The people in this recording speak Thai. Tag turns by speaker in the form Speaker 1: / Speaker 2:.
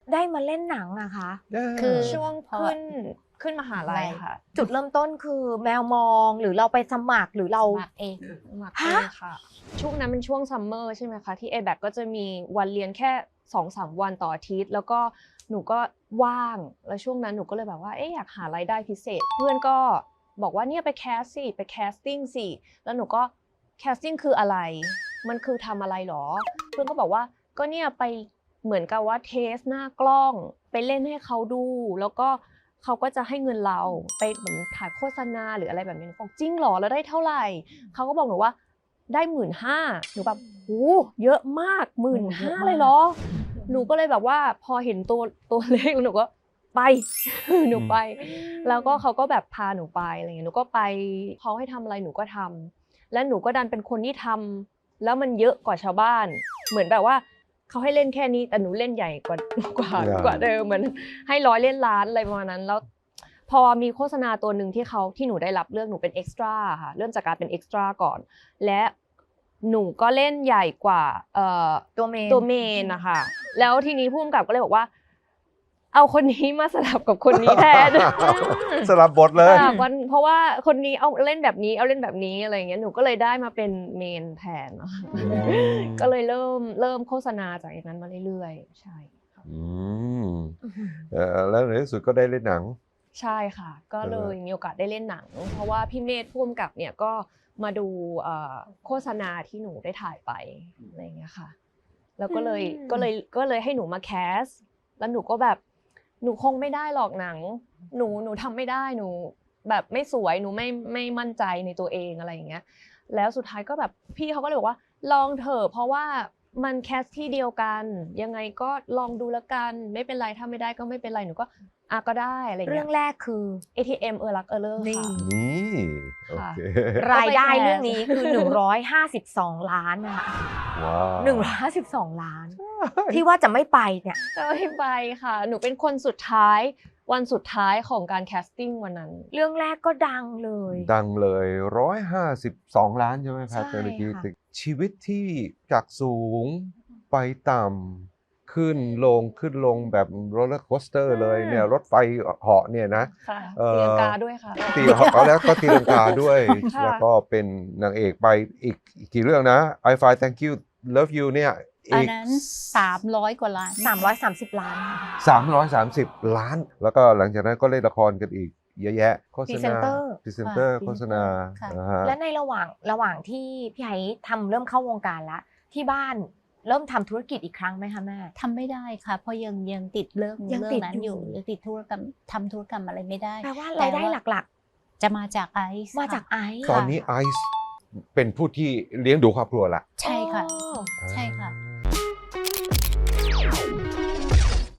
Speaker 1: ได้มาเล่นหนังอะคะ
Speaker 2: คือช่วงขึ้นมหาลัยค่ะ
Speaker 1: จุดเริ่มต้นคือแมวมองหรือเราไปสมัครหรือเรา
Speaker 3: สมัครเอง
Speaker 2: หมักเองค่ะช่วงนั้นเป็นช่วงซัมเมอร์ใช่ไหมคะที่ ABAC ก็จะมีวันเรียนแค่ 2-3 วันต่ออาทิตย์แล้วก็หนูก็ว่างแล้วช่วงนั้นหนูก็เลยแบบว่าอยากหารายได้พิเศษเพื่อนก็บอกว่าเนี่ยไปแคสสิไปแคสติ้งสิแล้วหนูก็แคสติ้งคืออะไรมันคือทำอะไรหรอเพื่อนก็บอกว่าก็เนี่ยไปเหมือนกับว่าเทสหน้ากล้องไปเล่นให้เขาดูแล้วก็เขาก็จะให้เงินเราไปเหมือนถ่ายโฆษณาหรืออะไรแบบนี้บอกจริงหรอแล้วได้เท่าไหร่เขาก็บอกหนูว่าได้ 15,000 หนูแบบโหเยอะมาก 15,000 เลยเหรอหนูก็เลยแบบว่าพอเห็นตัวเลขหนูก็ไปหนูไปแล้วก็เขาก็แบบพาหนูไปอะไรเงี้ยหนูก็ไปเขาให้ทำอะไรหนูก็ทำและหนูก็ดันเป็นคนที่ทำแล้วมันเยอะกว่าชาวบ้านเหมือนแบบว่าเขาให้เล่นแค่นี้แต่หนูเล่นใหญ่กว่าเดิมเหมือนให้100เล่นล้านอะไรประมาณนั้นแล้วพอมีโฆษณาตัวหนึ่งที่หนูได้รับเลือกหนูเป็นเอ็กซ์ตร้าค่ะเริ่มจากการเป็นเอ็กซ์ตร้าก่อนและหนูก็เล่นใหญ่กว่าตัวเมนนะคะแล้วทีนี้ผู้กำกับก็เลยบอกว่าเอาคนนี้มาสลับกับคนนี้แทน
Speaker 4: สลับบทเลย
Speaker 2: เพราะว่าคนนี้เอาเล่นแบบนี้เอาเล่นแบบนี้อะไรอย่างเงี้ยหนูก็เลยได้มาเป็นเมนแทนก็เลยเริ่มโฆษณาจากอย่างนั้นมาเรื่อยๆใช่ค่ะ
Speaker 4: แล้วในที่สุดก็ได้เล่นหนัง
Speaker 2: ใช่ค่ะก็เลยมีโอกาสได้เล่นหนังเพราะว่าพี่เมธผู้กำกับเนี่ยก็มาดูโฆษณาที่หนูได้ถ่ายไปอะไรอย่างเงี้ยค่ะแล้วก็เลยให้หนูมาแคสแล้วหนูก็แบบหนูคงไม่ได้หรอกหนังหนูทำไม่ได้หนูแบบไม่สวยหนูไม่มั่นใจในตัวเองอะไรอย่างเงี้ยแล้วสุดท้ายก็แบบพี่เขาก็เลยบอกว่าลองเถอะเพราะว่ามันแคสที่เดียวกันยังไงก็ลองดูแล้วกันไม่เป็นไรถ้าไม่ได้ก็ไม่เป็นไรหนูก็ก็ได้อะไรเงี้ย
Speaker 1: เรื่องแรกคือ
Speaker 2: ATM รักเลิกค่ะ
Speaker 4: นี่โอเค
Speaker 1: รายได้เรื่องนี้คือ152 ล้านนะคะ
Speaker 4: ว้าว
Speaker 1: 152 ล้านที่ว่าจะไม่ไปเนี่ย
Speaker 2: จะไม่ไปค่ะหนูเป็นคนสุดท้ายวันสุดท้ายของการแคสติ้งวันนั้น
Speaker 1: เรื่องแรกก็ดังเลย
Speaker 4: 152 ล้านใช่ไหมครับเมื่อกี้ชีวิตที่จากสูงไปต่ำขึ้นลงแบบโรลเลอร์โคสเตอร์เลยเนี่ยรถไฟเหาะเนี่ยนะ
Speaker 2: ตีลังกาด้วยค่ะ
Speaker 4: ตีเหาะแล้วก็ตีลังกาด้วยแล้วก็เป็นนางเอกไปอีกกี่เรื่องนะ I Fly Thank You Love You เนี่ย
Speaker 3: อันนั้น300 กว่าล้าน
Speaker 1: 330 ล้าน
Speaker 4: 330 ล้านแล้วก็หลังจากนั้นก็เล่นละครกันอีกเยอะแยะโฆษณาพรีเซนเตอร์โฆษณา
Speaker 1: และในระหว่างที่พี่ไอ้เริ่มเข้าวงการแล้วที่บ้านเริ่มทำธุรกิจอีกครั้งไหมคะแม่
Speaker 3: ทำไม่ได้ค่ะเพราะยังติดเรื่องนั้นอยู่ยังติดธุรกรรมทำธุรกรรมอะไรไม่ได้
Speaker 1: แปลว่ารายได้หลัก
Speaker 3: ๆจะมาจากไอซ์
Speaker 4: ตอนนี้ไอซ์เป็นผู้ที่เลี้ยงดูครอบครัวละ
Speaker 3: ใช่ค่ะใช่ค่ะ